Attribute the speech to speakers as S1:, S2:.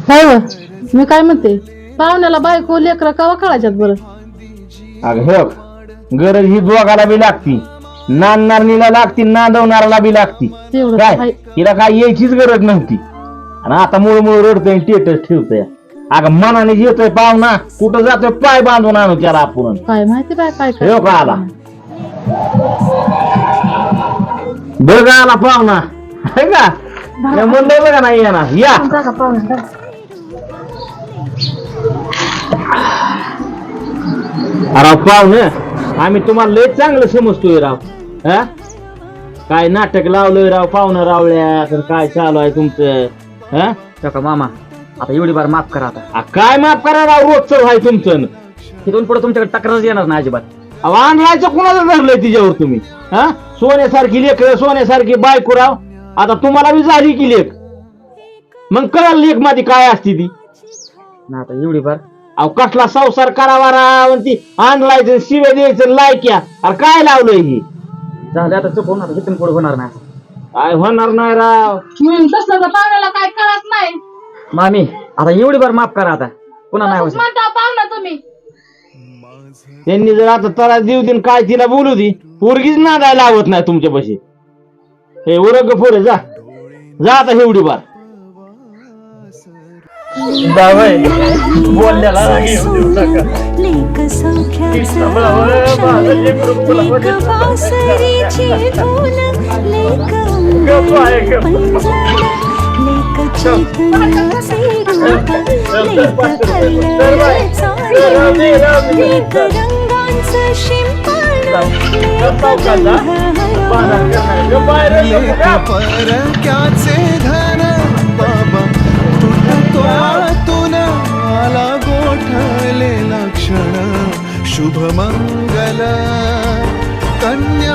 S1: काय व? मी काय म्हणते, पाहुण्याला बायको लेकरं कवा कळायच्यात बरं?
S2: अगं हो, गरज ही दोघाला बी लागती, नांदणारणीला लागती, नांदवणाराला बी लागती.
S1: तेवढं
S2: काय
S1: आहे.
S2: तिला काय यायचीच गरज नव्हती. आणि आता मूळ रडतोय, स्टेटस ठेवतोय. अगं मनाने येतोय पाहुणा, कुठं जातोय पाय बांधून आणू त्याला आपण.
S1: काय माहिती बाय काय
S2: हो का आला? बघ आला पाहुणा, है का? म्हणलं बघा नाही येणार, या. राव पाहुणं, आम्ही तुम्हाला लय चांगलं समजतोय राव. हा, काय नाटक लावलंय राव पाहुणं रावळ्या, तर काय चालू आहे तुमचं? हा
S3: का मामा, आता एवढी बार माफ करा. आता
S2: काय माफ करा राव, रोजचं आहे तुमचं.
S3: तिथून पुढे तुमच्याकडे तक्रारच येणार ना अजिबात.
S2: अहो आणलायचं कुणाला धरलंय तिच्यावर तुम्ही? हा, सोन्यासारखी लेकर, सोन्यासारखी बायको राव. आता तुम्हाला बी झाली की लेख, मग कळलं लेख मध्ये काय असते ती.
S3: ना आता एवढी बार
S2: अहो कसला संसार करावा राव, ती आणलायचं शिव्या द्यायचं लायक्या. अरे काय लावलंय ही?
S3: झालं आता चुकून, आता तिथून पुढे होणार नाही.
S2: काय होणार नाही राव.
S1: तसलं तर पाहुण्याला काय कळत नाही.
S3: मामी आता एवढी बार माफ करा, आता पुन्हा नाही होत.
S1: म्हणता पाहुणा तुम्ही.
S2: त्यांनी जर आता तरा देऊ देईन काय तिला बोलू दे, पोरगीच नादायला लावत नाही तुमच्यापाशी. हे उरग पुढे जा, जा आता एवढी बार.
S3: बोलल्याला
S4: परक्याचे धन बाबा तुटतो आतून आला गोठलेला क्षण शुभमंगल कन्या